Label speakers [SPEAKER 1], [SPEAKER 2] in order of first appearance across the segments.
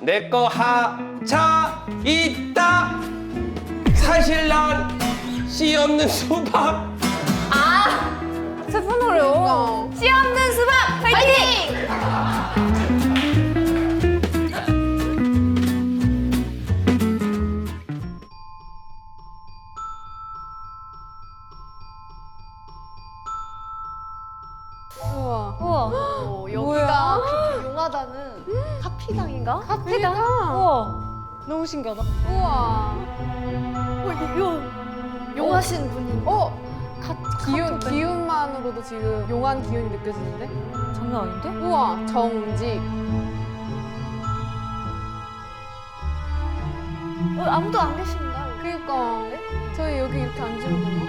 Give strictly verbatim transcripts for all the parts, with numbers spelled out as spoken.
[SPEAKER 1] 내 거 하차 있다. 사실 난 씨 없는 수박.
[SPEAKER 2] 아 슬픈 노래요. 씨 없는 수박 파이팅!
[SPEAKER 3] 우와.
[SPEAKER 2] 우와.
[SPEAKER 3] 어, 여기가
[SPEAKER 2] 뭐야?
[SPEAKER 3] 그렇게 용하다는 카피당인가?
[SPEAKER 2] 카페다. 우와. 너무 신기하다.
[SPEAKER 3] 우와. 어, 이- 요 용하신 분이.
[SPEAKER 2] 어
[SPEAKER 3] 카,
[SPEAKER 2] 기운
[SPEAKER 3] 카톡
[SPEAKER 2] 기운만으로도 지금 용한 기운이 느껴지는데?
[SPEAKER 3] 장난 아닌데?
[SPEAKER 2] 우와 정직.
[SPEAKER 3] 어, 아무도 안 계신가?
[SPEAKER 2] 그니까 저희 여기 이렇게 앉으면 되나?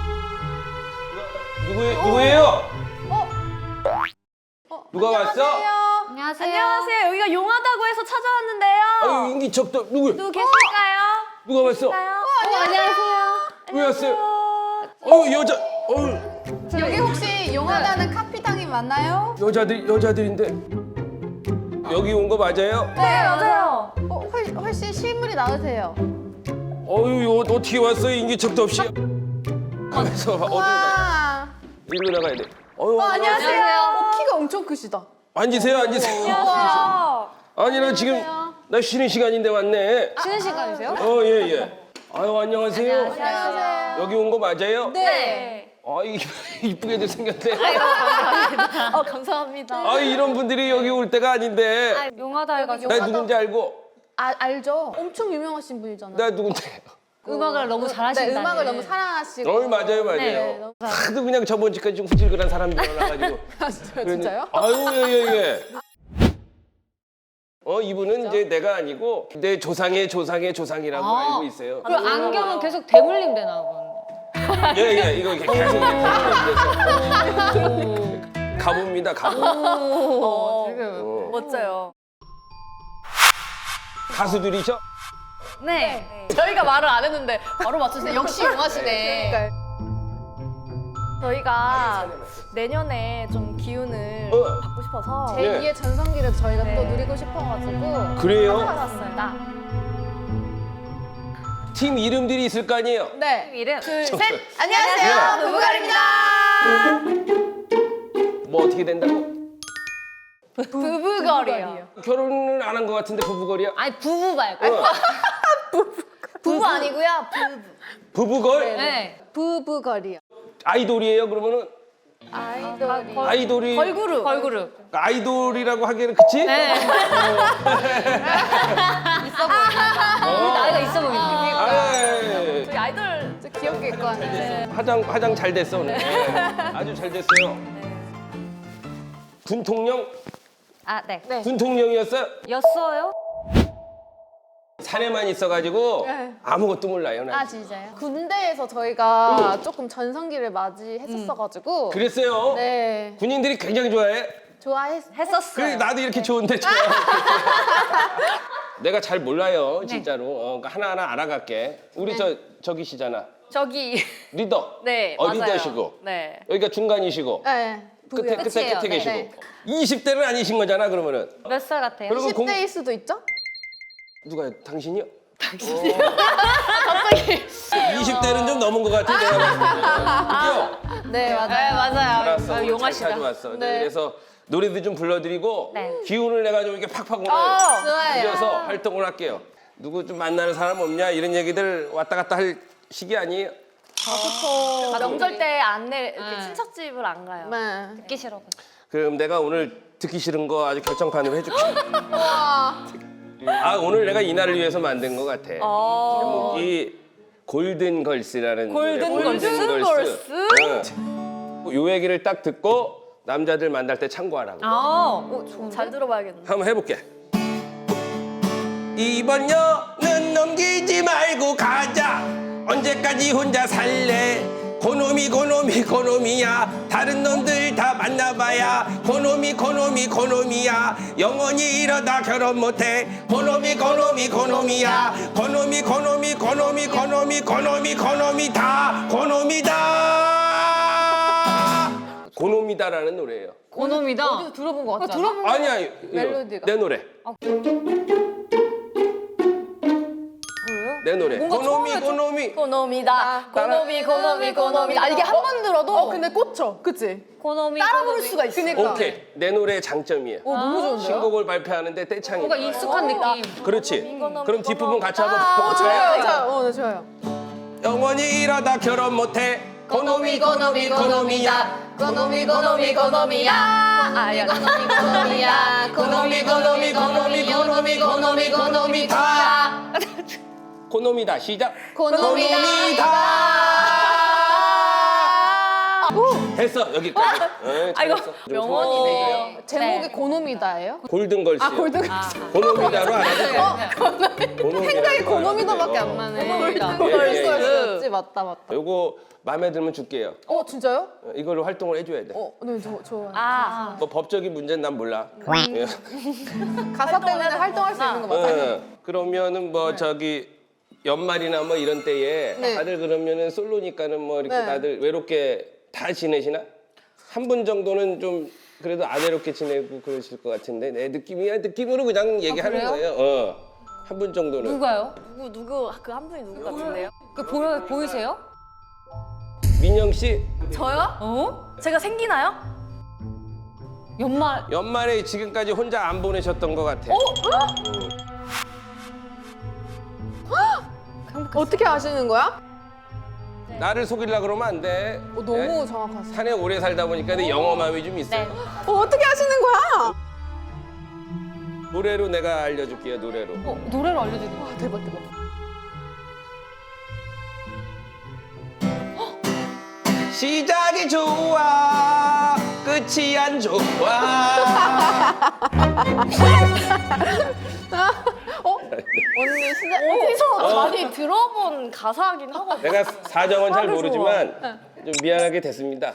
[SPEAKER 1] 누구 누구예요?
[SPEAKER 2] 어?
[SPEAKER 1] 누가 왔어?
[SPEAKER 2] 안녕하세요.
[SPEAKER 3] 안녕하세요. 여기가 용하다고 해서 찾아왔는데요.
[SPEAKER 1] 아유 인기척도 누구?
[SPEAKER 3] 누구 계실까요?
[SPEAKER 1] 누가 왔어?
[SPEAKER 3] 계실까요?
[SPEAKER 2] 어, 안녕하세요.
[SPEAKER 1] 왜 왔어요? 어유 여자 어유
[SPEAKER 2] 여기 혹시 용하다는 카피당이 맞나요?
[SPEAKER 1] 여자들 여자들인데 여기 온 거 맞아요?
[SPEAKER 3] 네, 맞아요.
[SPEAKER 2] 어, 훨, 훨씬 실물이 나으세요.
[SPEAKER 1] 어유 요 어떻게 왔어 인기척도 없이? 가면서 어디 가?
[SPEAKER 2] 와.
[SPEAKER 1] 일로 나가야 돼. 어유
[SPEAKER 2] 안녕하세요. 어, 키가 엄청 크시다.
[SPEAKER 1] 앉으세요 앉으세요.
[SPEAKER 3] 안녕하세요.
[SPEAKER 1] 아니 나 지금 나 쉬는 시간인데 왔네.
[SPEAKER 3] 쉬는 시간이세요?
[SPEAKER 1] 어 예 예. 아유 안녕하세요.
[SPEAKER 3] 안녕하세요.
[SPEAKER 1] 여기 온 거 맞아요?
[SPEAKER 3] 네.
[SPEAKER 1] 아 이- 이쁘게도 생겼네.
[SPEAKER 3] 어, 감사합니다.
[SPEAKER 1] 아 이런 분들이 여기 올 때가 아닌데.
[SPEAKER 3] 용하다 해가지고.
[SPEAKER 1] 나 누군지 알고?
[SPEAKER 2] 아, 알죠? 엄청 유명하신 분이잖아요.
[SPEAKER 1] 나 누군데?
[SPEAKER 3] 음악을 너무 잘하신다.
[SPEAKER 2] 네, 음악을 너무 사랑하시고.
[SPEAKER 1] 어 맞아요 맞아요.
[SPEAKER 2] 네, 너무
[SPEAKER 1] 하도 그냥 저번 주까지 좀 후질근한 사람들 올라가지고.
[SPEAKER 2] 사랑하시죠. 진짜요?
[SPEAKER 1] 아유 예예 예. 어 이분은 이제 내가 아니고 내 조상의 조상의 조상이라고
[SPEAKER 3] 아.
[SPEAKER 1] 알고 있어요.
[SPEAKER 3] 그 안경은 계속 대물림 되나 본.
[SPEAKER 1] 예예 이거 이렇게 계속 이렇게 가봅니다 가보.
[SPEAKER 3] 어,
[SPEAKER 1] 어.
[SPEAKER 3] 멋져요.
[SPEAKER 1] 가수들이죠?
[SPEAKER 3] 네.
[SPEAKER 2] 저희가 말을 안 했는데 바로 맞추세요. 역시 용하시네.
[SPEAKER 3] 저희가 내년에 좀 기운을
[SPEAKER 1] 어.
[SPEAKER 3] 받고 싶어서
[SPEAKER 2] 제이의 전성기를 저희가
[SPEAKER 3] 네.
[SPEAKER 2] 또 누리고 싶어가지고.
[SPEAKER 1] 그래요?
[SPEAKER 3] 찾아왔습니다.
[SPEAKER 1] 팀 이름들이 있을 거 아니에요?
[SPEAKER 2] 네.
[SPEAKER 3] 이름 둘,
[SPEAKER 1] 저-
[SPEAKER 3] 셋.
[SPEAKER 2] 안녕하세요.
[SPEAKER 1] 네.
[SPEAKER 2] 부부갈입니다.
[SPEAKER 1] 뭐 어떻게 된다고?
[SPEAKER 3] 부부거리요.
[SPEAKER 1] 결혼을 안 한 것 같은데 부부거리야?
[SPEAKER 3] 아니 부부 말고.
[SPEAKER 1] 어.
[SPEAKER 3] 부부 아니고요. 부부.
[SPEAKER 1] 부부걸?
[SPEAKER 3] 네.
[SPEAKER 2] 부부거리요.
[SPEAKER 1] 아이돌이에요 그러면은?
[SPEAKER 2] 아이돌이.
[SPEAKER 1] 아이돌이
[SPEAKER 3] 걸그룹. 걸그룹.
[SPEAKER 1] 아이돌이라고 하기에는 그치?
[SPEAKER 3] 네.
[SPEAKER 2] 있어 보인다.
[SPEAKER 1] 어.
[SPEAKER 3] 나이가 있어 보이네.
[SPEAKER 1] 아이,
[SPEAKER 2] 저희 아이돌 좀 귀엽게 입고 왔는데.
[SPEAKER 1] 화장 화장 잘 됐어 오늘. 네. 아주 잘 됐어요. 군통령?
[SPEAKER 3] 아 네.
[SPEAKER 2] 네.
[SPEAKER 1] 군통령이었어요?
[SPEAKER 3] 였어요?
[SPEAKER 1] 산에만 있어가지고
[SPEAKER 2] 네.
[SPEAKER 1] 아무것도 몰라요. 난.
[SPEAKER 2] 아 진짜요? 군대에서 저희가 조금 전성기를 맞이했었어가지고.
[SPEAKER 1] 그랬어요.
[SPEAKER 2] 네.
[SPEAKER 1] 군인들이 굉장히 좋아해.
[SPEAKER 2] 좋아했었어요.
[SPEAKER 1] 그래 나도 이렇게 좋은데 좋아. 내가 잘 몰라요 진짜로. 어, 그러니까 하나하나 알아갈게. 우리
[SPEAKER 2] 네.
[SPEAKER 1] 저 저기시잖아.
[SPEAKER 3] 저기.
[SPEAKER 1] 리더.
[SPEAKER 3] 네.
[SPEAKER 1] 어,
[SPEAKER 3] 맞아요.
[SPEAKER 1] 리더시고.
[SPEAKER 3] 네.
[SPEAKER 1] 여기가 중간이시고.
[SPEAKER 2] 네.
[SPEAKER 1] 끝에 끝에
[SPEAKER 3] 끝이에요.
[SPEAKER 1] 끝에
[SPEAKER 3] 네.
[SPEAKER 1] 계시고.
[SPEAKER 2] 네.
[SPEAKER 1] 이십 대는 아니신 거잖아 그러면은.
[SPEAKER 3] 몇 살 같아요?
[SPEAKER 1] 그리고 공-
[SPEAKER 2] 이십 대일 수도 있죠?
[SPEAKER 1] 누가요? 당신이요? 당신이요? 갑자기. 이십 대는 좀 넘은 것 같아 내가 봤을 때. 그죠?
[SPEAKER 2] 네 맞아요.
[SPEAKER 3] 네 맞아요.
[SPEAKER 1] 알았어.
[SPEAKER 3] 아,
[SPEAKER 1] 오늘
[SPEAKER 3] 용하시다.
[SPEAKER 1] 잘 찾아왔어. 네.
[SPEAKER 2] 네.
[SPEAKER 1] 그래서 노래도 좀 불러드리고
[SPEAKER 3] 네.
[SPEAKER 1] 기운을 내가 좀 이렇게 팍팍 오늘
[SPEAKER 3] 어,
[SPEAKER 2] 좋아요.
[SPEAKER 1] 이어서 활동을 할게요. 누구 좀 만나는 사람 없냐 이런 얘기들 왔다 갔다 할 시기 아니에요?
[SPEAKER 2] 아,
[SPEAKER 3] 명절 때 안내 이렇게
[SPEAKER 2] 네.
[SPEAKER 3] 친척집을 안 가요.
[SPEAKER 2] 네.
[SPEAKER 3] 듣기 싫어.
[SPEAKER 1] 그럼 내가 오늘 듣기 싫은 거 아주 결정판으로 해줄게.
[SPEAKER 2] 와.
[SPEAKER 1] 아 오늘 내가 이날을 위해서 만든 것 같아.
[SPEAKER 3] 어.
[SPEAKER 1] 제목이 골든 걸스라는
[SPEAKER 3] 골든
[SPEAKER 1] 노래,
[SPEAKER 3] 걸스?
[SPEAKER 1] 골든
[SPEAKER 3] 걸스?
[SPEAKER 1] 응. 요 얘기를 딱 듣고 남자들 만날 때 참고하라고.
[SPEAKER 3] 아, 오, 좋은데? 잘 들어봐야겠네.
[SPEAKER 1] 한번 해볼게. 이번 여는 넘기지 말고 가자. 언제까지 혼자 살래? 고놈이 고놈이 고놈이야. 다른 놈들 다 만나봐야 고놈이 고놈이 고놈이야. 영원히 이러다 결혼 못해. 고놈이 고놈이 고놈이야. 고놈이 고놈이 고놈이 고놈이 고놈이 고놈이 다 고놈이다. 고놈이다라는 노래예요.
[SPEAKER 3] 고놈이다.
[SPEAKER 2] 어디서 들어본 것 같지 않아?
[SPEAKER 3] 들어본
[SPEAKER 1] 아니야 이거
[SPEAKER 2] 멜로디가.
[SPEAKER 1] 내 노래. 내 노래.
[SPEAKER 3] 뭔가
[SPEAKER 1] 고노미
[SPEAKER 3] 처음에 좀-
[SPEAKER 1] 고노미.
[SPEAKER 3] 고노미다. 고노미 고노미 고노미다. 아, 이게 한 번 들어도
[SPEAKER 2] 어 근데 꽂혀. 그치?
[SPEAKER 3] 고노미 따라 부를 수가 있어.
[SPEAKER 2] 그니까.
[SPEAKER 1] 오케이. 내 노래의 장점이에요.
[SPEAKER 2] 어 너무 좋은데요?
[SPEAKER 1] 신곡을 발표하는데 떼창이.
[SPEAKER 3] 뭔가 익숙한 느낌.
[SPEAKER 1] 그렇지.
[SPEAKER 3] 고노미,
[SPEAKER 1] 그럼 뒷부분 같이
[SPEAKER 3] 고노미다.
[SPEAKER 1] 한번
[SPEAKER 2] 어
[SPEAKER 1] 볼까요?
[SPEAKER 2] 좋아요. 좋아요. 어 네, 좋아요.
[SPEAKER 1] 영원히 이러다 결혼 못해. 고노미 고노미 고노미야.
[SPEAKER 3] 고노미 고노미 고노미야. 아야. 고노미 고노미야.
[SPEAKER 1] 고노미 고노미 고노미 고노미 고노미 고노미다. 고노미다 시작.
[SPEAKER 2] 고노미다.
[SPEAKER 1] 고노미다. 됐어 여기까지. 어,
[SPEAKER 3] 아 이거
[SPEAKER 1] 잘했어. 좀
[SPEAKER 3] 명언이네.
[SPEAKER 2] 제목이 고노미다예요?
[SPEAKER 1] 골든걸스.
[SPEAKER 2] 아 골든.
[SPEAKER 1] 고노미다로 알아요?
[SPEAKER 2] 생각이 고노미다밖에 안 나네.
[SPEAKER 3] 고노미다.
[SPEAKER 2] 골든걸스였지 맞다 맞다.
[SPEAKER 1] 요거 마음에 들면 줄게요.
[SPEAKER 2] 어 진짜요?
[SPEAKER 1] 어, 이걸로 활동을 해줘야 돼.
[SPEAKER 2] 어, 네, 저, 좋아요.
[SPEAKER 3] 아.
[SPEAKER 1] 뭐 법적인 문제는 난 몰라. 예.
[SPEAKER 2] 가사 때문에 활동할 수 있는 거 맞아요?
[SPEAKER 1] 어, 그러면은 뭐 저기 연말이나 뭐 이런 때에
[SPEAKER 2] 네.
[SPEAKER 1] 다들 그러면은 솔로니까는 뭐 이렇게
[SPEAKER 2] 네.
[SPEAKER 1] 다들 외롭게 다 지내시나? 한 분 정도는 좀 그래도 안 외롭게 지내고 그러실 것 같은데 내 느낌이야 느낌으로 그냥 얘기하는
[SPEAKER 3] 그래요?
[SPEAKER 1] 거예요. 어. 한 분 정도는.
[SPEAKER 3] 누가요? 누구 누구 그 한 분이 누구 같은데요? 그 보여 보이세요?
[SPEAKER 1] 민영 씨
[SPEAKER 3] 저요? 어? 제가 생기나요? 연말
[SPEAKER 1] 연말에 지금까지 혼자 안 보내셨던 것 같아.
[SPEAKER 2] 어떻게 아시는 거야?
[SPEAKER 1] 나를 속이려 그러면 안 돼.
[SPEAKER 2] 어, 너무
[SPEAKER 1] 네?
[SPEAKER 2] 정확하세요.
[SPEAKER 1] 산에 오래 살다 보니까 내 영험함이 좀 있어.
[SPEAKER 3] 네.
[SPEAKER 1] 요
[SPEAKER 2] 어, 어떻게 아시는 거야?
[SPEAKER 1] 노래로 내가 알려줄게요. 노래로.
[SPEAKER 3] 어, 노래로 알려주는 거.
[SPEAKER 2] 와, 대박, 대박.
[SPEAKER 1] 시작이 좋아 끝이 안 좋아.
[SPEAKER 2] 어? 언니 시작.
[SPEAKER 3] 어디서 많이 들어본 가사긴 하거든요.
[SPEAKER 1] 내가 사정은 잘
[SPEAKER 3] 하루
[SPEAKER 1] 모르지만 좀 미안하게 됐습니다.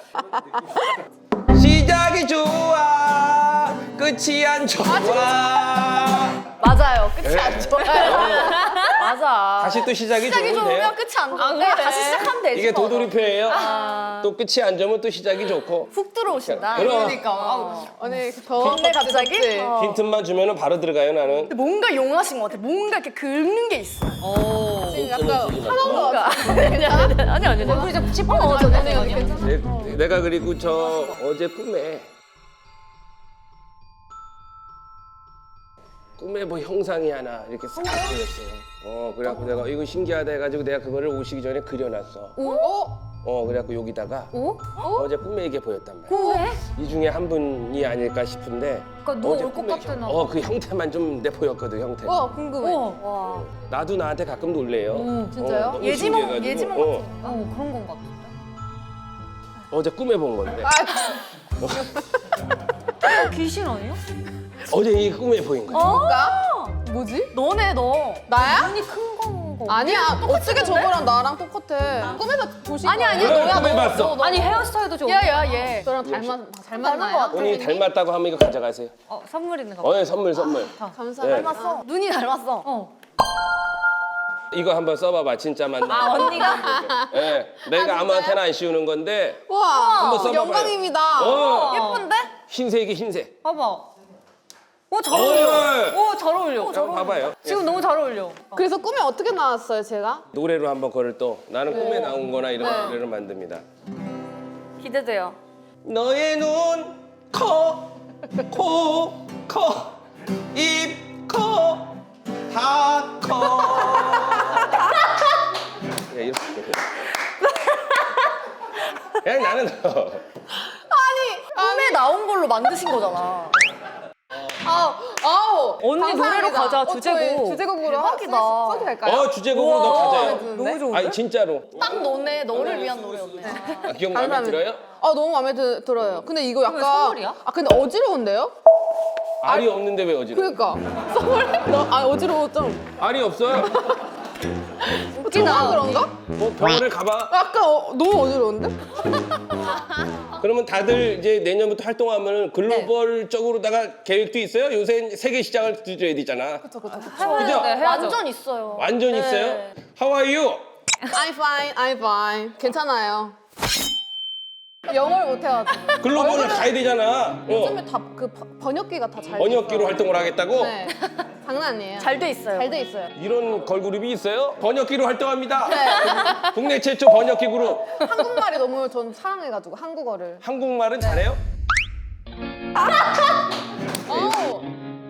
[SPEAKER 1] 시작이 좋아 끝이 안 좋아.
[SPEAKER 3] 맞아요. 끝이
[SPEAKER 1] 네.
[SPEAKER 3] 안 좋아요. 맞아.
[SPEAKER 1] 다시 또 시작이,
[SPEAKER 3] 시작이
[SPEAKER 1] 좋으면 돼요.
[SPEAKER 3] 좋으면 끝이 안 좋은데 다시 시작하면 되지.
[SPEAKER 1] 이게
[SPEAKER 3] 뭐.
[SPEAKER 1] 도돌이표예요.
[SPEAKER 3] 아.
[SPEAKER 1] 또 끝이 안 좋으면 또 시작이 좋고.
[SPEAKER 3] 훅 들어오신다.
[SPEAKER 1] 그럼.
[SPEAKER 2] 그러니까. 언니, 더.
[SPEAKER 3] 근데 갑자기? 어.
[SPEAKER 1] 힌트만 주면 바로 들어가요 나는.
[SPEAKER 3] 뭔가 용하신 것 같아. 뭔가 이렇게 긁는 게 있어.
[SPEAKER 2] 지금
[SPEAKER 1] 힌트는
[SPEAKER 2] 약간
[SPEAKER 1] 주지 마.
[SPEAKER 2] 화난 거 같아.
[SPEAKER 3] 아니 아니 아니 아니.
[SPEAKER 2] 얼굴이 좀 찌뿌러져. 언니, 언니 괜찮아?
[SPEAKER 1] 내, 내가 그리고 저 어제 꿈에 꿈에 뭐 형상이 하나 이렇게 싹 보였어요. 어 그래갖고 내가 이거 신기하다 해가지고 내가 그거를 오시기 전에 그려놨어.
[SPEAKER 2] 어?
[SPEAKER 1] 어 그래갖고 여기다가
[SPEAKER 3] 오?
[SPEAKER 1] 어제 꿈에 이게 보였단 말이야.
[SPEAKER 3] 왜?
[SPEAKER 1] 이 중에 한 분이 아닐까 싶은데.
[SPEAKER 3] 그러니까 너
[SPEAKER 1] 어제
[SPEAKER 3] 올 것
[SPEAKER 1] 꿈에
[SPEAKER 3] 같아, 나.
[SPEAKER 1] 형- 어, 그 형태만 좀 내 보였거든 형태.
[SPEAKER 2] 와, 궁금해.
[SPEAKER 3] 와.
[SPEAKER 1] 나도 나한테 가끔 놀래요.
[SPEAKER 3] 오,
[SPEAKER 2] 진짜요?
[SPEAKER 1] 어, 너무
[SPEAKER 3] 예지몽
[SPEAKER 1] 신기해가지고.
[SPEAKER 3] 예지몽
[SPEAKER 1] 어,
[SPEAKER 3] 같은. 어 그런 건 같은데.
[SPEAKER 1] 어제 꿈에 본 건데.
[SPEAKER 2] 아,
[SPEAKER 3] 귀신 아니에요?
[SPEAKER 1] 어제 이 꿈에 보인 거야.
[SPEAKER 3] 어?
[SPEAKER 2] 뭐지?
[SPEAKER 3] 너네 너.
[SPEAKER 2] 나야?
[SPEAKER 3] 눈이 큰 거.
[SPEAKER 2] 아니야. 어떻게 저거랑 나랑 똑같아. 꿈에서 보신
[SPEAKER 3] 아니
[SPEAKER 2] 거예요?
[SPEAKER 3] 아니
[SPEAKER 1] 그래,
[SPEAKER 3] 너야
[SPEAKER 1] 꿈에
[SPEAKER 3] 너.
[SPEAKER 1] 봤어.
[SPEAKER 3] 너, 너. 아니 헤어스타일도 좀. 야야 얘.
[SPEAKER 2] 저랑 닮았,
[SPEAKER 3] 닮은
[SPEAKER 2] 닮았나요?
[SPEAKER 3] 것 같아.
[SPEAKER 1] 본인이 닮았다고 하면 이거 가져가세요.
[SPEAKER 3] 어 선물 있는 거.
[SPEAKER 1] 어, 예, 선물 선물.
[SPEAKER 2] 감사합니다.
[SPEAKER 1] 네.
[SPEAKER 3] 닮았어. 눈이 닮았어. 어.
[SPEAKER 1] 이거 한번 써봐봐 진짜 맞나?
[SPEAKER 3] 아 언니가.
[SPEAKER 1] 예, 내가 아무한테나 안 씌우는 건데
[SPEAKER 2] 와,
[SPEAKER 1] 한번 써봐봐요.
[SPEAKER 2] 영광입니다.
[SPEAKER 1] 어,
[SPEAKER 3] 예쁜데?
[SPEAKER 1] 흰색이 흰색.
[SPEAKER 3] 봐봐. 오 잘
[SPEAKER 1] 어.
[SPEAKER 3] 어울려. 오 잘 어울려.
[SPEAKER 1] 한번 봐봐요.
[SPEAKER 3] 지금 너무 잘 어울려.
[SPEAKER 2] 그래서 꿈에 어떻게 나왔어요, 제가?
[SPEAKER 1] 노래로 한번 그걸 또 나는 꿈에 나온 거나 이런 노래를 만듭니다.
[SPEAKER 3] 기대돼요.
[SPEAKER 1] 너의 눈, 코, 코, 커, 입, 커, 다 커. 야, 이렇게. 그냥 나는 너.
[SPEAKER 3] 꿈에 나온 걸로 만드신 거잖아.
[SPEAKER 2] 아우, 아우.
[SPEAKER 3] 언니
[SPEAKER 2] 감사합니다.
[SPEAKER 3] 노래로 가자,
[SPEAKER 2] 어, 저희
[SPEAKER 3] 주제곡.
[SPEAKER 2] 주제곡으로
[SPEAKER 3] 대박이다.
[SPEAKER 2] 써- 써도 될까요?
[SPEAKER 1] 어, 주제곡으로 너 가져요.
[SPEAKER 3] 너무 좋은데?
[SPEAKER 1] 아니, 진짜로.
[SPEAKER 3] 딱 너네 너를 위한 노래였네.
[SPEAKER 1] 아, 기억 마음에
[SPEAKER 2] 감사합니다.
[SPEAKER 1] 들어요?
[SPEAKER 2] 아, 너무 마음에 드, 들어요. 근데 이거 약간
[SPEAKER 3] 선물이야?
[SPEAKER 2] 아, 근데 어지러운데요?
[SPEAKER 1] 알이 없는데 왜 어지러워?
[SPEAKER 2] 그러니까. 선물 너, 아, 어지러워 좀.
[SPEAKER 1] 알이 없어요?
[SPEAKER 2] 웃기나 그런가?
[SPEAKER 1] 뭐 병원을 가봐.
[SPEAKER 2] 약간 어, 너무 어지러운데?
[SPEAKER 1] 그러면 다들 이제 내년부터 활동하면 글로벌적으로다가 계획도 있어요? 요새 세계 시장을 두드려야 되잖아.
[SPEAKER 2] 그쵸, 그쵸, 그쵸.
[SPEAKER 1] 그죠?
[SPEAKER 3] 네, 완전 있어요.
[SPEAKER 1] 완전 있어요? How are you?
[SPEAKER 2] I'm fine, I'm fine. 괜찮아요. 영어를 못해가지고.
[SPEAKER 1] 글로벌을 가야 되잖아.
[SPEAKER 2] 요즘에
[SPEAKER 1] 어.
[SPEAKER 2] 다 그 번역기가 다 잘.
[SPEAKER 1] 번역기로 활동을 하겠다고?
[SPEAKER 2] 네. 장난 아니에요.
[SPEAKER 3] 잘 돼 있어요.
[SPEAKER 2] 잘 돼 있어요.
[SPEAKER 1] 이런 걸그룹이 있어요? 번역기로 활동합니다.
[SPEAKER 2] 네.
[SPEAKER 1] 국내 최초 번역기 그룹.
[SPEAKER 2] 한국말이 너무 전 사랑해가지고 한국어를.
[SPEAKER 1] 한국말은 잘해요?
[SPEAKER 2] 어.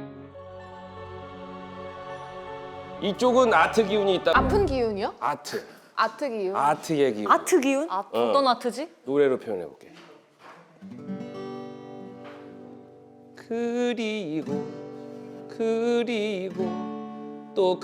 [SPEAKER 1] 이쪽은 아트 기운이 있다.
[SPEAKER 2] 아픈 기운이요?
[SPEAKER 1] 아트.
[SPEAKER 2] 아트 기운.
[SPEAKER 1] 아트의 기운.
[SPEAKER 3] 아트 기운? 아,
[SPEAKER 1] 어.
[SPEAKER 3] 어떤 아트지?
[SPEAKER 1] 노래로 표현해 볼게. 그리고 그리고 또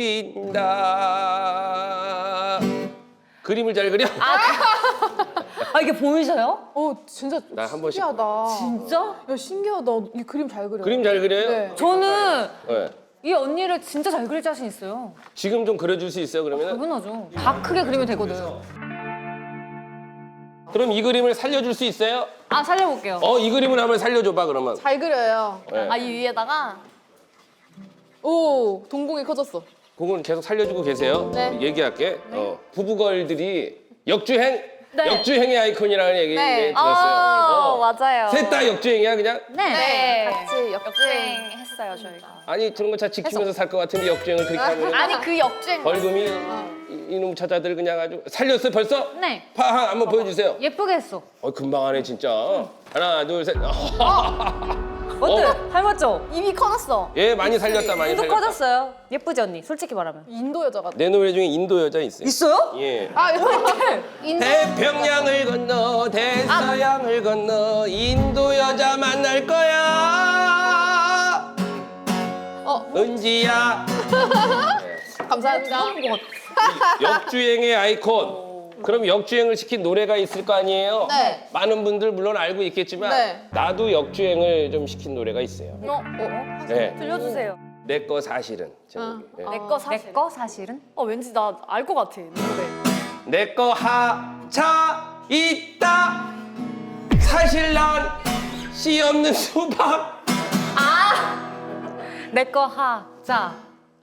[SPEAKER 1] 그린다. 그림을 잘 그려?
[SPEAKER 3] 아 이게 보이셔요?
[SPEAKER 2] 어 진짜
[SPEAKER 1] 나 한 번씩
[SPEAKER 2] 신기하다.
[SPEAKER 3] 진짜?
[SPEAKER 2] 야 신기하다. 이 그림 잘 그려.
[SPEAKER 1] 그림 잘 그려요?
[SPEAKER 2] 네.
[SPEAKER 3] 저는
[SPEAKER 1] 네.
[SPEAKER 3] 이 언니를 진짜 잘 그릴 자신 있어요.
[SPEAKER 1] 지금 좀 그려줄 수 있어요 그러면?
[SPEAKER 3] 당연하죠. 다 크게 그리면 되거든.
[SPEAKER 1] 그럼 이 그림을 살려줄 수 있어요?
[SPEAKER 3] 아 살려볼게요.
[SPEAKER 1] 어, 이 그림을 한번 살려줘봐 그러면.
[SPEAKER 2] 잘 그려요.
[SPEAKER 1] 네.
[SPEAKER 3] 아 이 위에다가
[SPEAKER 2] 오 동공이 커졌어.
[SPEAKER 1] 그건 계속 살려주고 계세요.
[SPEAKER 2] 네.
[SPEAKER 1] 얘기할게. 어, 부부걸들이 역주행,
[SPEAKER 3] 네.
[SPEAKER 1] 역주행의 아이콘이라는 얘기
[SPEAKER 2] 네.
[SPEAKER 1] 네. 들었어요. 어.
[SPEAKER 3] 맞아요.
[SPEAKER 1] 셋 다 역주행이야 그냥?
[SPEAKER 2] 네. 같이 역주행.
[SPEAKER 3] 역주행 했어요 저희가.
[SPEAKER 1] 아니 그런 거 잘 지키면서 살 것 같은데 역주행을 그렇게 하면
[SPEAKER 3] 아니 그 역주행.
[SPEAKER 1] 벌금이 이- 이놈 처자들 그냥 아주 살렸어 벌써?
[SPEAKER 3] 네.
[SPEAKER 1] 파 한번 보여주세요.
[SPEAKER 3] 예쁘게 했어.
[SPEAKER 1] 어 금방 하네 진짜. 하나 둘 셋.
[SPEAKER 3] 어때?
[SPEAKER 1] 어.
[SPEAKER 3] 닮았죠?
[SPEAKER 2] 입이 커졌어.
[SPEAKER 1] 얘 많이 살렸다 많이
[SPEAKER 3] 입도
[SPEAKER 1] 살렸다.
[SPEAKER 3] 커졌어요. 예쁘지 언니? 솔직히 말하면.
[SPEAKER 2] 인도 여자 같아.
[SPEAKER 1] 내 노래 중에 인도 여자 있어요.
[SPEAKER 3] 있어요?
[SPEAKER 1] 예.
[SPEAKER 2] 아 이렇게 인도.
[SPEAKER 1] 태평양을 건너 대서양을 건너 인도 여자 만날 거야.
[SPEAKER 2] 어
[SPEAKER 1] 은지야.
[SPEAKER 2] 감사합니다.
[SPEAKER 1] 역주행의 아이콘. 그럼 역주행을 시킨 노래가 있을 거 아니에요?
[SPEAKER 2] 네.
[SPEAKER 1] 많은 분들 물론 알고 있겠지만
[SPEAKER 2] 네.
[SPEAKER 1] 나도 역주행을 좀 시킨 노래가 있어요.
[SPEAKER 3] 어? 어?
[SPEAKER 1] 네.
[SPEAKER 3] 들려주세요.
[SPEAKER 1] 내 거 사실은 제목이. 네.
[SPEAKER 2] 어.
[SPEAKER 3] 내 거 사실. 내 거 사실은? 어 왠지 나 알 것 같아. 노래.
[SPEAKER 1] 내 거 하차 있다. 사실 난 씨 없는 수박.
[SPEAKER 3] 내 거 하자.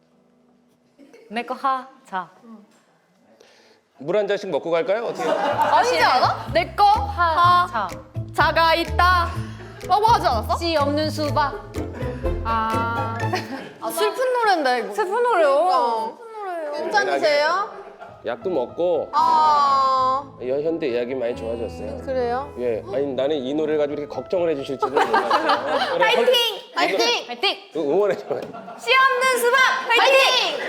[SPEAKER 3] 내 거 하자.
[SPEAKER 1] 물 한 잔씩 먹고 갈까요? 어떻게?
[SPEAKER 2] 아니지 않아?
[SPEAKER 3] 내 거 하자.
[SPEAKER 2] 자가 있다. 라고 하지 않았어?
[SPEAKER 3] 씨 없는 수박.
[SPEAKER 2] 아,
[SPEAKER 3] 슬픈 노래인데 이거. 슬픈
[SPEAKER 2] 그러니까.
[SPEAKER 3] 노래요.
[SPEAKER 2] 괜찮으세요?
[SPEAKER 1] 약도 먹고
[SPEAKER 2] 아
[SPEAKER 1] 여- 현대 의학이 많이 좋아졌어요.
[SPEAKER 2] 그래요?
[SPEAKER 1] 예, 아니 나는 이 노래를 가지고 이렇게 걱정을 해주실 줄은 몰랐어요. 파이팅!
[SPEAKER 2] 파이팅!
[SPEAKER 3] 파이팅!
[SPEAKER 1] 응원해줘요.
[SPEAKER 3] 씨 없는 수박 파이팅!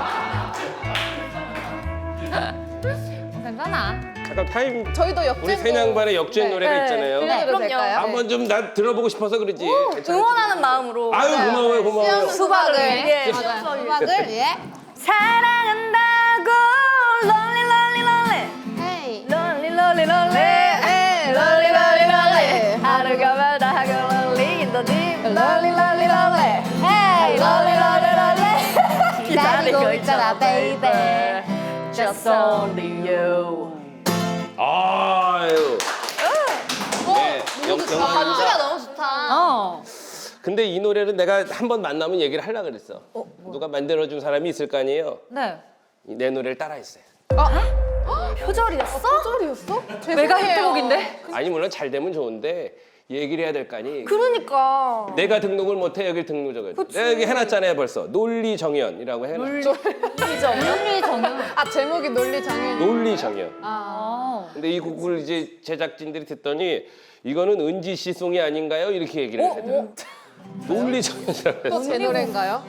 [SPEAKER 3] 괜찮아.
[SPEAKER 1] 잠깐 타임.
[SPEAKER 2] 저희도 역주행.
[SPEAKER 1] 우리 새냥반의 역주행
[SPEAKER 2] 네.
[SPEAKER 1] 노래가 있잖아요.
[SPEAKER 2] 들려드려도
[SPEAKER 3] 그럼요.
[SPEAKER 2] 될까요?
[SPEAKER 1] 한번 좀 나 들어보고 싶어서 그러지. 괜찮아.
[SPEAKER 3] 응원하는 마음으로.
[SPEAKER 1] 아유 고마워요 고마워요.
[SPEAKER 2] 수박을
[SPEAKER 3] 예.
[SPEAKER 2] 맞아요. 수박을 예.
[SPEAKER 3] 사랑한다고 롤리 롤리 롤리
[SPEAKER 2] 헤이.
[SPEAKER 3] 롤리 롤리 롤리
[SPEAKER 2] 네, 롤리 롤리 롤리.
[SPEAKER 3] 하루가 마다 하고 롤리 인더디 롤리 롤리 롤리
[SPEAKER 2] 헤이.
[SPEAKER 3] 롤리 롤리 롤리
[SPEAKER 2] 기다리고 있잖아, baby.
[SPEAKER 3] Just only you.
[SPEAKER 1] 아유. 네, 영- 영-
[SPEAKER 2] 반주가 너무 좋다.
[SPEAKER 3] 어.
[SPEAKER 1] 근데 이 노래를 내가 한 번 만나면 얘기를 하려고 그랬어. 누가 만들어준 사람이 있을 거 아니에요?
[SPEAKER 3] 네.
[SPEAKER 1] 내 노래를 따라했어요.
[SPEAKER 3] 표절이었어?
[SPEAKER 2] 표절이었어?
[SPEAKER 3] 메가
[SPEAKER 2] 죄송해요.
[SPEAKER 3] 히트곡인데?
[SPEAKER 1] 아니 물론 잘 되면 좋은데 얘기를 해야 될 거 아니.
[SPEAKER 3] 그러니까.
[SPEAKER 1] 내가 등록을 못해 여기 등록을. 내가 여기 해놨잖아요 벌써. 논리정연이라고 해놨.
[SPEAKER 3] 논리 정연.
[SPEAKER 2] 아 제목이 논리 장애.
[SPEAKER 1] 논리정연.
[SPEAKER 3] 아.
[SPEAKER 1] 근데 이 곡을 이제 제작진들이 듣더니 이거는 은지 씨 송이 아닌가요? 이렇게 얘기를
[SPEAKER 3] 어?
[SPEAKER 1] 하더라고요.
[SPEAKER 3] 어?
[SPEAKER 1] 논리정연이라고 해서.
[SPEAKER 2] 또 제 노래인가요?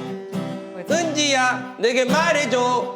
[SPEAKER 1] 은지야 내게 말해줘.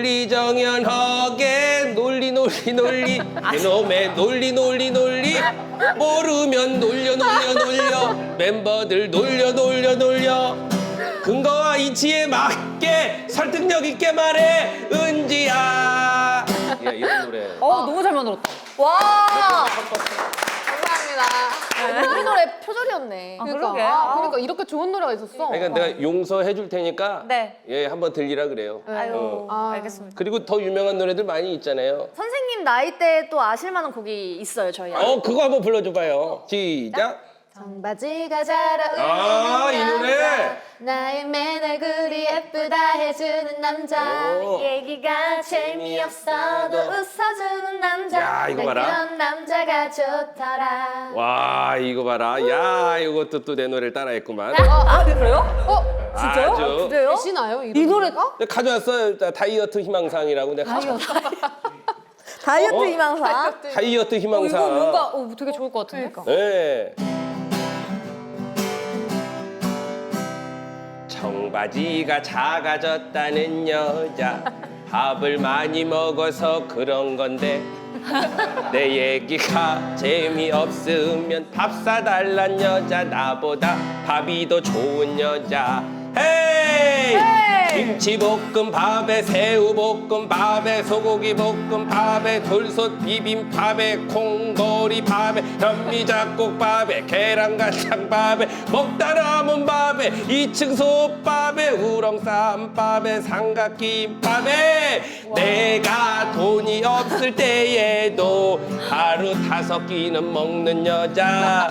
[SPEAKER 1] 논리정연하게 논리 논리 논리 그놈의 논리 논리 논리 모르면 놀려 놀려 놀려 멤버들 놀려 놀려 놀려 근거와 이치에 맞게 설득력 있게 말해 은지야. 야 이런 노래.
[SPEAKER 3] 어, 너무 잘 만들었다.
[SPEAKER 2] 와. 감사합니다. 우리 노래 표절이었네.
[SPEAKER 3] 아,
[SPEAKER 2] 그러니까.
[SPEAKER 3] 그러게.
[SPEAKER 2] 아, 그러니까 이렇게 좋은 노래가 있었어.
[SPEAKER 1] 그러니까 내가 용서해 줄 테니까
[SPEAKER 3] 네.
[SPEAKER 1] 예 한번 들리라 그래요.
[SPEAKER 3] 아유,
[SPEAKER 1] 어.
[SPEAKER 2] 아.
[SPEAKER 3] 알겠습니다.
[SPEAKER 1] 그리고 더 유명한 노래들 많이 있잖아요.
[SPEAKER 3] 선생님 나이 때 또 아실 만한 곡이 있어요, 저희.
[SPEAKER 1] 어 그거 한번 불러줘봐요. 시작.
[SPEAKER 2] 청바지가 자라.
[SPEAKER 1] 아, 이 노래.
[SPEAKER 2] 나의 맨 얼굴이 예쁘다 해주는 남자.
[SPEAKER 1] 오.
[SPEAKER 3] 얘기가 재미없어도 웃어주는 남자.
[SPEAKER 1] 야, 이거
[SPEAKER 2] 난
[SPEAKER 1] 봐라.
[SPEAKER 2] 그런 남자가 좋더라.
[SPEAKER 1] 와 이거 봐라. 야 이것도 또 내 노래를 따라했구만.
[SPEAKER 3] 아, 그래요?
[SPEAKER 2] 어?
[SPEAKER 3] 진짜요?
[SPEAKER 1] 아주.
[SPEAKER 3] 그래요?
[SPEAKER 2] 시나요?
[SPEAKER 3] 이 노래가?
[SPEAKER 1] 내가 가져왔어요. 자, 다이어트 희망상이라고 내가 가져.
[SPEAKER 3] 다이어트
[SPEAKER 1] 어?
[SPEAKER 3] 희망사.
[SPEAKER 1] 다이어트
[SPEAKER 3] 어,
[SPEAKER 1] 희망상.
[SPEAKER 3] 이거 뭔가 어, 되게 좋을 것 같은데.
[SPEAKER 1] 네. 청바지가 작아졌다는 여자 밥을 많이 먹어서 그런 건데 내 얘기가 재미없으면 밥 사달란 여자 나보다 밥이 더 좋은 여자 헤이! 김치볶음밥에 새우볶음밥에 소고기볶음밥에 돌솥 비빔밥에 콩보리밥에 현미잡곡밥에 계란간장밥에 먹다 남은 밥에 이층 솥밥에 우렁쌈밥에 삼각김밥에 내가 돈이 없을 때에도 하루 다섯 끼는 먹는 여자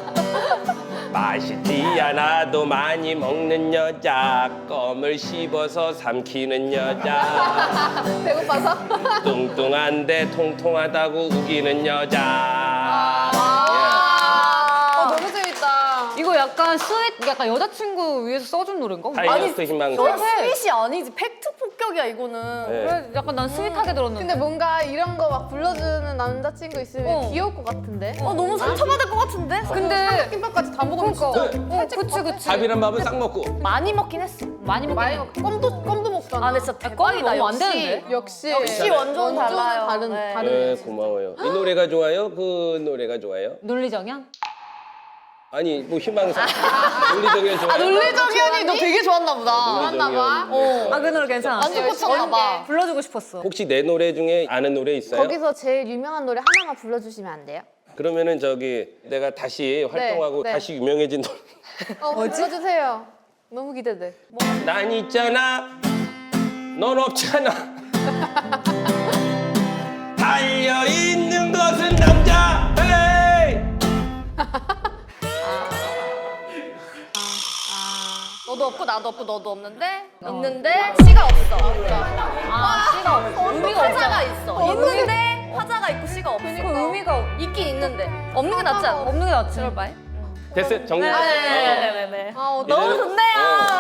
[SPEAKER 1] 맛있지 않아도 많이 먹는 여자 껌을 씹어서 삼키는 여자
[SPEAKER 2] 배고파서?
[SPEAKER 1] 뚱뚱한데 통통하다고 우기는 여자
[SPEAKER 2] 아, 너무 재밌다.
[SPEAKER 3] 이거 약간 스윗, 약간 여자친구 위해서 써준 노래인가?
[SPEAKER 1] 예. 다이어트 희망상
[SPEAKER 3] 스윗이 아니지. 팩트 폭격이야, 이거는.
[SPEAKER 1] 네.
[SPEAKER 3] 그래, 약간 난 스윗하게 들었는데.
[SPEAKER 2] 근데 뭔가 이런 거 막 불러주는 남자친구 있으면
[SPEAKER 3] 어.
[SPEAKER 2] 귀여울 것 같은데?
[SPEAKER 3] 어, 너무 상처받을 것 같은데? 근데
[SPEAKER 2] 김밥까지 다 먹으면
[SPEAKER 3] 그러니까.
[SPEAKER 2] 진짜
[SPEAKER 3] 어, 그치, 그치.
[SPEAKER 1] 밥이란 밥은 싹 먹고
[SPEAKER 3] 많이 먹긴 했어. 많이 먹긴
[SPEAKER 2] 많이
[SPEAKER 3] 해.
[SPEAKER 2] 먹 껌도 껌도 먹잖아.
[SPEAKER 3] 아, 근데 진짜 대박이다.
[SPEAKER 2] 너무 안
[SPEAKER 3] 역시.
[SPEAKER 2] 되는데? 역시
[SPEAKER 3] 역시 원조는 달라요.
[SPEAKER 2] 다른
[SPEAKER 3] 네.
[SPEAKER 2] 다른
[SPEAKER 1] 네,
[SPEAKER 2] 거지.
[SPEAKER 1] 고마워요 이 노래가 좋아요? 그 노래가 좋아요?
[SPEAKER 3] 논리정연?
[SPEAKER 1] 아니 뭐 희망상 논리적이 좋아요?
[SPEAKER 3] 아, 논리정연이 너 되게 좋았나 보다.
[SPEAKER 1] 좋았나 봐.
[SPEAKER 3] 어. 아, 그 노래 괜찮아.
[SPEAKER 2] 완전 꽂혔나 봐.
[SPEAKER 3] 불러주고 싶었어.
[SPEAKER 1] 혹시 내 노래 중에 아는 노래 있어요?
[SPEAKER 2] 거기서 제일 유명한 노래 하나만 불러주시면 안 돼요?
[SPEAKER 1] 그러면은 저기 내가 다시 활동하고
[SPEAKER 2] 네.
[SPEAKER 1] 다시 유명해진 노래
[SPEAKER 2] 어, 불러주세요. 너무 기대돼.
[SPEAKER 1] 난 있잖아 넌 없잖아 달려있는 것은 남자 헤이!
[SPEAKER 3] 너도 없고 나도 없고 너도 없는데 있는데 씨가 없어. 아, 씨가 없어. 의미가 화자가 있어. 있는데 화자가 있고 씨가 없어. 그 의미가 있긴 있는데 없는 게 낫지 않아? 없는 게 낫지. 그럴 바에.
[SPEAKER 1] 됐어요? 정리?
[SPEAKER 3] 네네네네.
[SPEAKER 2] 아,
[SPEAKER 1] 너무
[SPEAKER 2] 너무
[SPEAKER 1] 좋네요.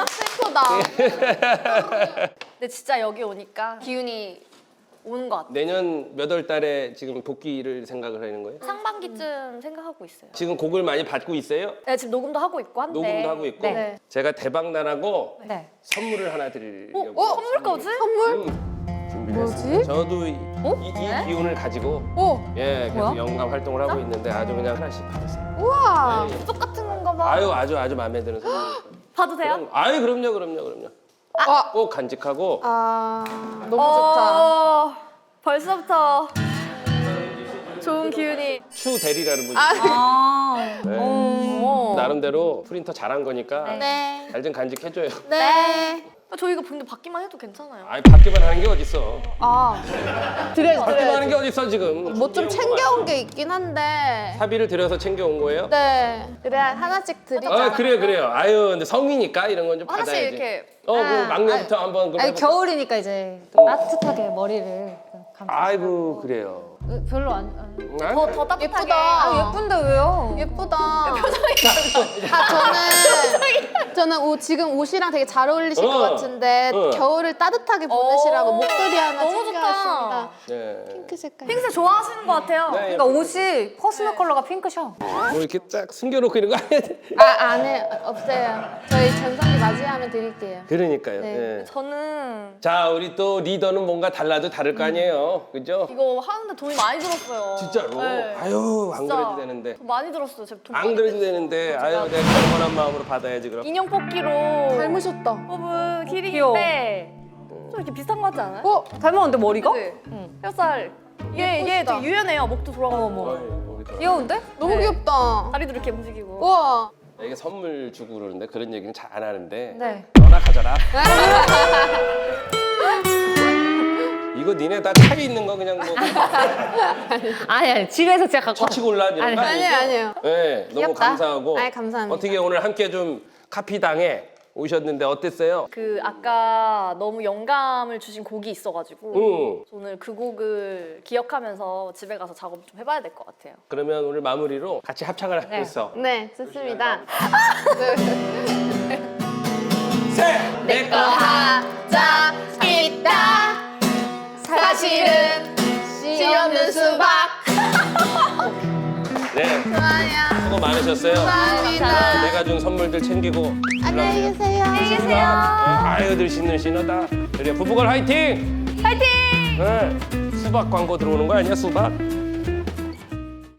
[SPEAKER 2] 슬프다.
[SPEAKER 3] 근데 진짜 여기 오니까 기운이 오는 것 같아.
[SPEAKER 1] 내년 몇 월 달에 지금 복귀를 생각을 하는 거예요?
[SPEAKER 3] 상반기쯤 생각하고 있어요.
[SPEAKER 1] 지금 곡을 많이 받고 있어요?
[SPEAKER 3] 네, 지금 녹음도 하고 있고 한데.
[SPEAKER 1] 녹음도 하고 있고
[SPEAKER 3] 네.
[SPEAKER 1] 제가 대박 나라고
[SPEAKER 3] 네.
[SPEAKER 1] 선물을 하나 드리려고
[SPEAKER 3] 어? 선물까지?
[SPEAKER 2] 선물?
[SPEAKER 1] 음, 준비했습니다. 저도 이, 이, 이 기운을 가지고
[SPEAKER 2] 오,
[SPEAKER 1] 예, 계속
[SPEAKER 3] 뭐야?
[SPEAKER 1] 영감 활동을 하고 있는데 아주 그냥 하나씩 받으세요.
[SPEAKER 2] 우와.
[SPEAKER 3] 똑같은 건가 봐.
[SPEAKER 1] 아유 아주 아주 마음에 드는 선물.
[SPEAKER 3] 봐도 돼요?
[SPEAKER 1] 그럼, 아유 그럼요 그럼요 그럼요.
[SPEAKER 2] 아,
[SPEAKER 1] 꼭 간직하고
[SPEAKER 2] 아, 너무 좋다.
[SPEAKER 3] 어, 벌써부터 좋은 기운이.
[SPEAKER 1] 추 대리라는 분이
[SPEAKER 3] 아.
[SPEAKER 1] 네.
[SPEAKER 3] 어.
[SPEAKER 1] 나름대로 프린터 잘한 거니까
[SPEAKER 2] 네.
[SPEAKER 1] 잘 좀 간직해줘요.
[SPEAKER 2] 네.
[SPEAKER 3] 저희가 근데 받기만 해도 괜찮아요.
[SPEAKER 1] 아이 받기만 하는 게 어딨어.
[SPEAKER 2] 아, 드려야지,
[SPEAKER 1] 받기만
[SPEAKER 2] 드려야지.
[SPEAKER 1] 하는 게 어딨어 지금.
[SPEAKER 2] 뭐 좀 챙겨온 게 있긴 한데.
[SPEAKER 1] 사비를 들여서 챙겨온 거예요?
[SPEAKER 2] 네. 그래, 하나씩 드리자.
[SPEAKER 1] 아 그래요 그래요. 아유 근데 성이니까 이런 건 좀
[SPEAKER 3] 하나씩
[SPEAKER 1] 받아야지.
[SPEAKER 3] 이렇게.
[SPEAKER 1] 어, 그
[SPEAKER 2] 아,
[SPEAKER 1] 막내부터 한번 그럼
[SPEAKER 4] 아니
[SPEAKER 1] 해볼까?
[SPEAKER 4] 겨울이니까 이제 따뜻하게 머리를 감싸.
[SPEAKER 1] 아이고 그래요.
[SPEAKER 4] 별로 안. 안-
[SPEAKER 1] 아,
[SPEAKER 3] 더, 더 따뜻하게.
[SPEAKER 2] 예쁘다.
[SPEAKER 4] 아 예쁜데 왜요?
[SPEAKER 2] 예쁘다. 아, 저는 저는 옷, 지금 옷이랑 되게 잘 어울리실
[SPEAKER 1] 어,
[SPEAKER 2] 것 같은데
[SPEAKER 1] 어.
[SPEAKER 2] 겨울을 따뜻하게 보내시라고
[SPEAKER 3] 오,
[SPEAKER 2] 목도리 하나
[SPEAKER 3] 너무
[SPEAKER 2] 챙겨왔습니다.
[SPEAKER 1] 네.
[SPEAKER 2] 핑크 색깔.
[SPEAKER 3] 핑크색 좋아하시는 것 같아요.
[SPEAKER 1] 네.
[SPEAKER 4] 그러니까 옷이 퍼스널 컬러가 핑크셔.
[SPEAKER 1] 뭐 이렇게 딱 숨겨놓고 이런 거 안 해야 돼.
[SPEAKER 2] 아, 안에 없어요. 저희 전성기 맞이하면 드릴게요.
[SPEAKER 1] 그러니까요.
[SPEAKER 2] 네.
[SPEAKER 1] 예.
[SPEAKER 3] 저는
[SPEAKER 1] 자 우리 또 리더는 뭔가 달라도 다를 거 아니에요, 그죠?
[SPEAKER 3] 이거 하는데 돈이 많이 들었어요.
[SPEAKER 1] 진짜로.
[SPEAKER 3] 네.
[SPEAKER 1] 아유 안
[SPEAKER 3] 진짜.
[SPEAKER 1] 그래도 되는데.
[SPEAKER 3] 돈 많이 들었어요. 제가 돈
[SPEAKER 1] 안
[SPEAKER 3] 많이
[SPEAKER 1] 그래도
[SPEAKER 3] 냈어요.
[SPEAKER 1] 되는데.
[SPEAKER 3] 제가
[SPEAKER 1] 아유 내가 경건한 마음으로 받아야지 그럼.
[SPEAKER 3] 인형 뽑기로
[SPEAKER 2] 닮으셨다.
[SPEAKER 3] 뽑은
[SPEAKER 4] 귀여워.
[SPEAKER 3] 키링인데 좀 이렇게 비슷한 거 같지 않아요?
[SPEAKER 2] 어?
[SPEAKER 4] 닮았는데 머리가?
[SPEAKER 3] 그치? 혀살. 얘, 얘
[SPEAKER 2] 예쁘시다.
[SPEAKER 3] 되게 유연해요. 목도 돌아가고.
[SPEAKER 1] 어이, 여기다.
[SPEAKER 4] 귀여운데?
[SPEAKER 2] 너무
[SPEAKER 3] 네.
[SPEAKER 2] 귀엽다.
[SPEAKER 3] 다리도 이렇게 움직이고.
[SPEAKER 2] 우와.
[SPEAKER 1] 이게 선물 주고 그러는데 그런 얘기는 잘 안 하는데.
[SPEAKER 4] 네.
[SPEAKER 1] 너나 가져라. 이거 니네 다 차에 있는 거 그냥 뭐
[SPEAKER 4] 아니 아니 집에서 제가 갖고.
[SPEAKER 1] 처치 곤란 이런 거
[SPEAKER 4] 아니,
[SPEAKER 1] 아니죠?
[SPEAKER 2] 아니에요, 아니에요.
[SPEAKER 1] 네, 너무
[SPEAKER 2] 귀엽다.
[SPEAKER 1] 감사하고.
[SPEAKER 2] 아이, 감사합니다.
[SPEAKER 1] 어떻게 오늘 함께 좀 카피당에 오셨는데 어땠어요?
[SPEAKER 3] 그 아까 너무 영감을 주신 곡이 있어가지고
[SPEAKER 1] 응.
[SPEAKER 3] 오늘 그 곡을 기억하면서 집에 가서 작업 좀 해봐야 될 것 같아요.
[SPEAKER 1] 그러면 오늘 마무리로 같이 합창을 했어.
[SPEAKER 2] 네, 좋습니다.
[SPEAKER 1] 셋! 내꺼
[SPEAKER 2] 하자 있다. 사실은 씨 없는 수박.
[SPEAKER 1] 네,
[SPEAKER 2] 좋아요.
[SPEAKER 1] 수고 많으셨어요.
[SPEAKER 2] 감사합니다.
[SPEAKER 1] 내가 준 선물들 챙기고
[SPEAKER 2] 안녕히 계세요.
[SPEAKER 1] 안녕히 계세요. 아유들 신는 신하다. 그래 부부걸 화이팅!
[SPEAKER 3] 파이팅!
[SPEAKER 1] 네, 수박 광고 들어오는 거 아니야 수박?